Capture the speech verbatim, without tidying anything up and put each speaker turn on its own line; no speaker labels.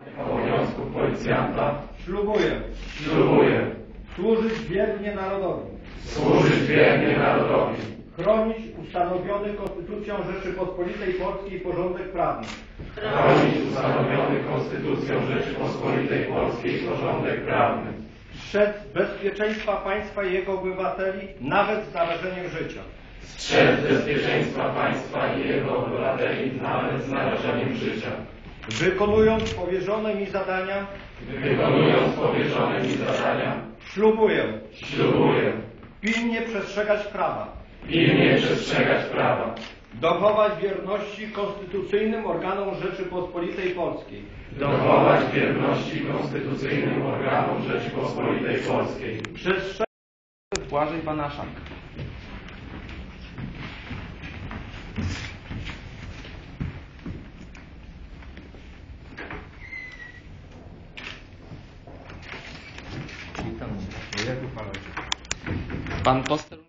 obowiązków policjanta
Ślubuję
ślubuję
służyć wiernie narodowi,
służyć wiernie narodowi,
chronić ustanowiony Konstytucją Rzeczypospolitej Polskiej porządek prawny,
chronić ustanowiony Konstytucją Rzeczypospolitej Polskiej porządek prawny,
strzec bezpieczeństwa państwa i jego obywateli nawet z narażeniem życia.
strzec bezpieczeństwa państwa i jego obywateli nawet z narażeniem życia,
Wykonując powierzone mi zadania,
wykonując powierzone mi zadania,
ślubuję
ślubuję
pilnie przestrzegać prawa,
pilnie przestrzegać prawa,
dochować wierności konstytucyjnym organom Rzeczypospolitej Polskiej,
dochować wierności konstytucyjnym organom Rzeczypospolitej Polskiej,
przestrzegać
Błażej Banaszak.
Witam.
Pan poseł